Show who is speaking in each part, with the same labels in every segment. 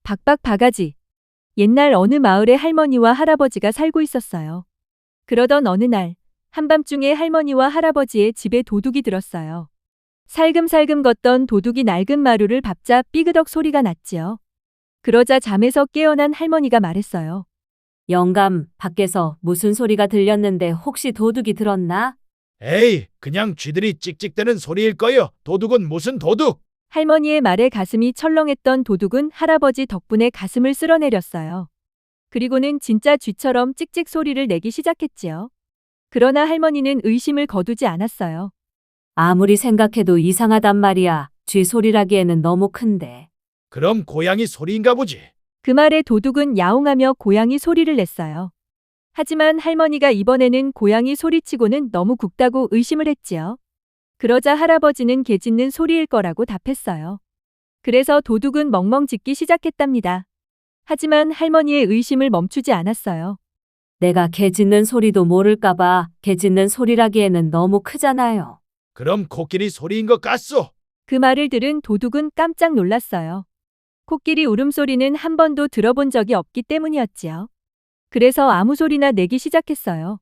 Speaker 1: 박박 바가지. 옛날 어느 마을에 할머니와 할아버지가 살고 있었어요. 그러던 어느 날, 한밤중에 할머니와 할아버지의 집에 도둑이 들었어요. 살금살금 걷던 도둑이 낡은 마루를 밟자 삐그덕 소리가 났지요. 그러자 잠에서 깨어난 할머니가 말했어요.
Speaker 2: 영감, 밖에서 무슨 소리가 들렸는데 혹시 도둑이 들었나?
Speaker 3: 에이, 그냥 쥐들이 찍찍대는 소리일 거요. 도둑은 무슨 도둑?
Speaker 1: 할머니의 말에 가슴이 철렁했던 도둑은 할아버지 덕분에 가슴을 쓸어내렸어요. 그리고는 진짜 쥐처럼 찍찍 소리를 내기 시작했지요. 그러나 할머니는 의심을 거두지 않았어요.
Speaker 2: 아무리 생각해도 이상하단 말이야. 쥐 소리라기에는 너무 큰데.
Speaker 3: 그럼 고양이 소리인가 보지.
Speaker 1: 그 말에 도둑은 야옹하며 고양이 소리를 냈어요. 하지만 할머니가 이번에는 고양이 소리치고는 너무 굵다고 의심을 했지요. 그러자 할아버지는 개 짖는 소리일 거라고 답했어요. 그래서 도둑은 멍멍 짖기 시작했답니다. 하지만 할머니의 의심을 멈추지 않았어요.
Speaker 2: 내가 개 짖는 소리도 모를까봐 개 짖는 소리라기에는 너무 크잖아요.
Speaker 3: 그럼 코끼리 소리인 것 같소.
Speaker 1: 그 말을 들은 도둑은 깜짝 놀랐어요. 코끼리 울음소리는 한 번도 들어본 적이 없기 때문이었지요. 그래서 아무 소리나 내기 시작했어요.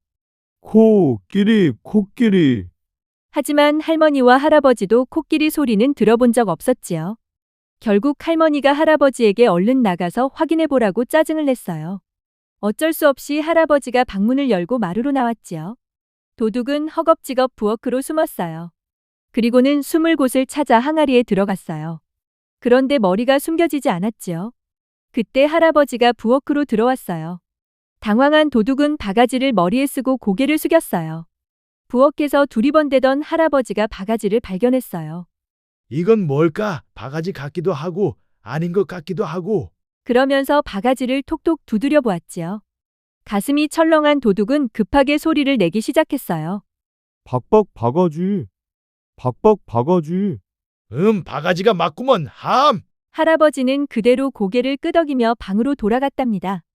Speaker 4: 코끼리.
Speaker 1: 하지만 할머니와 할아버지도 코끼리 소리는 들어본 적 없었지요. 결국 할머니가 할아버지에게 얼른 나가서 확인해 보라고 짜증을 냈어요. 어쩔 수 없이 할아버지가 방문을 열고 마루로 나왔지요. 도둑은 허겁지겁 부엌으로 숨었어요. 그리고는 숨을 곳을 찾아 항아리에 들어갔어요. 그런데 머리가 숨겨지지 않았지요. 그때 할아버지가 부엌으로 들어왔어요. 당황한 도둑은 바가지를 머리에 쓰고 고개를 숙였어요. 부엌에서 두리번대던 할아버지가 바가지를 발견했어요.
Speaker 3: 이건 뭘까? 바가지 같기도 하고 아닌 것 같기도 하고.
Speaker 1: 그러면서 바가지를 톡톡 두드려 보았지요. 가슴이 철렁한 도둑은 급하게 소리를 내기 시작했어요.
Speaker 4: 박박 바가지.
Speaker 3: 바가지가 맞구먼. 함.
Speaker 1: 할아버지는 그대로 고개를 끄덕이며 방으로 돌아갔답니다.